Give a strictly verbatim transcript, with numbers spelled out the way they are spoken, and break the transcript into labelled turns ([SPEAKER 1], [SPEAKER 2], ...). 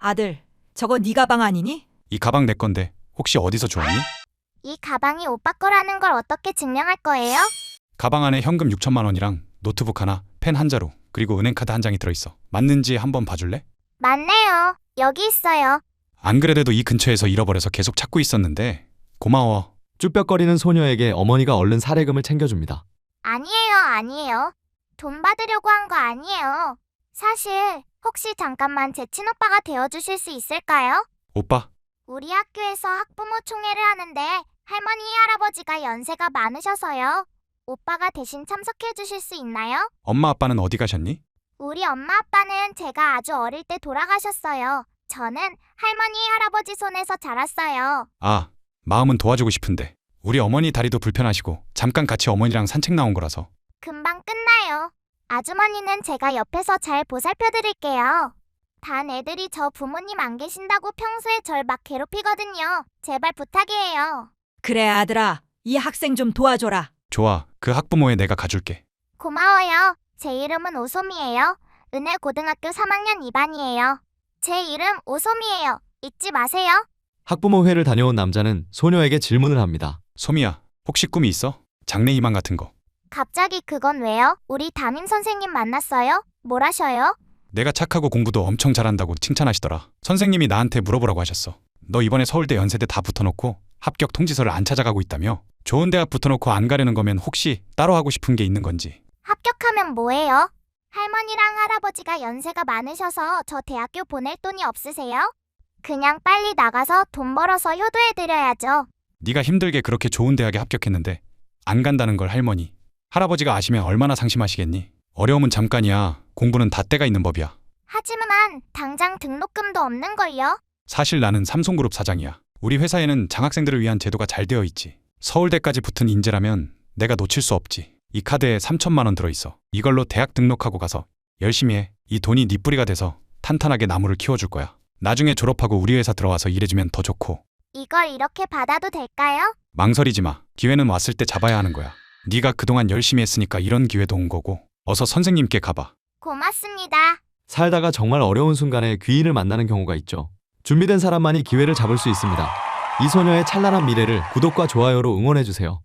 [SPEAKER 1] 아들, 저거 네 가방 아니니?
[SPEAKER 2] 이 가방 내 건데 혹시 어디서 주웠니?
[SPEAKER 3] 이 가방이 오빠 거라는 걸 어떻게 증명할 거예요?
[SPEAKER 2] 가방 안에 현금 육천만 원이랑 노트북 하나, 펜 한 자루, 그리고 은행카드 한 장이 들어있어. 맞는지 한번 봐줄래?
[SPEAKER 3] 맞네요. 여기 있어요.
[SPEAKER 2] 안 그래도 이 근처에서 잃어버려서 계속 찾고 있었는데 고마워.
[SPEAKER 4] 쭈뼛거리는 소녀에게 어머니가 얼른 사례금을 챙겨줍니다.
[SPEAKER 3] 아니에요, 아니에요. 돈 받으려고 한 거 아니에요. 사실 혹시 잠깐만 제 친오빠가 되어주실 수 있을까요?
[SPEAKER 2] 오빠,
[SPEAKER 3] 우리 학교에서 학부모 총회를 하는데 할머니, 할아버지가 연세가 많으셔서요. 오빠가 대신 참석해 주실 수 있나요?
[SPEAKER 2] 엄마 아빠는 어디 가셨니?
[SPEAKER 3] 우리 엄마 아빠는 제가 아주 어릴 때 돌아가셨어요. 저는 할머니, 할아버지 손에서 자랐어요.
[SPEAKER 2] 아, 마음은 도와주고 싶은데 우리 어머니 다리도 불편하시고 잠깐 같이 어머니랑 산책 나온 거라서.
[SPEAKER 3] 금방 끝나요. 아주머니는 제가 옆에서 잘 보살펴 드릴게요. 단 애들이 저 부모님 안 계신다고 평소에 절 막 괴롭히거든요. 제발 부탁이에요.
[SPEAKER 1] 그래, 아들아. 이 학생 좀 도와줘라.
[SPEAKER 2] 좋아, 그 학부모에 내가 가줄게.
[SPEAKER 3] 고마워요. 제 이름은 오솜이에요. 은혜고등학교 삼 학년 이 반이에요. 제 이름 오솜이에요. 잊지 마세요.
[SPEAKER 4] 학부모 회를 다녀온 남자는 소녀에게 질문을 합니다.
[SPEAKER 2] 소미야, 혹시 꿈이 있어? 장래희망 같은 거.
[SPEAKER 3] 갑자기 그건 왜요? 우리 담임 선생님 만났어요? 뭘 하셔요?
[SPEAKER 2] 내가 착하고 공부도 엄청 잘한다고 칭찬하시더라. 선생님이 나한테 물어보라고 하셨어. 너 이번에 서울대 연세대 다 붙어놓고 합격 통지서를 안 찾아가고 있다며? 좋은 대학 붙어놓고 안 가려는 거면 혹시 따로 하고 싶은 게 있는 건지.
[SPEAKER 3] 합격하면 뭐해요? 할머니랑 할아버지가 연세가 많으셔서 저 대학교 보낼 돈이 없으세요? 그냥 빨리 나가서 돈 벌어서 효도해드려야죠.
[SPEAKER 2] 네가 힘들게 그렇게 좋은 대학에 합격했는데 안 간다는 걸 할머니, 할아버지가 아시면 얼마나 상심하시겠니? 어려움은 잠깐이야. 공부는 다 때가 있는 법이야.
[SPEAKER 3] 하지만 당장 등록금도 없는걸요?
[SPEAKER 2] 사실 나는 삼성그룹 사장이야. 우리 회사에는 장학생들을 위한 제도가 잘 되어 있지. 서울대까지 붙은 인재라면 내가 놓칠 수 없지. 이 카드에 삼천만 원 들어있어. 이걸로 대학 등록하고 가서 열심히 해. 이 돈이 네 뿌리가 돼서 탄탄하게 나무를 키워줄 거야. 나중에 졸업하고 우리 회사 들어와서 일해주면 더 좋고.
[SPEAKER 3] 이걸 이렇게 받아도 될까요?
[SPEAKER 2] 망설이지 마. 기회는 왔을 때 잡아야 하는 거야. 네가 그동안 열심히 했으니까 이런 기회도 온 거고. 어서 선생님께 가봐.
[SPEAKER 3] 고맙습니다.
[SPEAKER 4] 살다가 정말 어려운 순간에 귀인을 만나는 경우가 있죠. 준비된 사람만이 기회를 잡을 수 있습니다. 이 소녀의 찬란한 미래를 구독과 좋아요로 응원해주세요.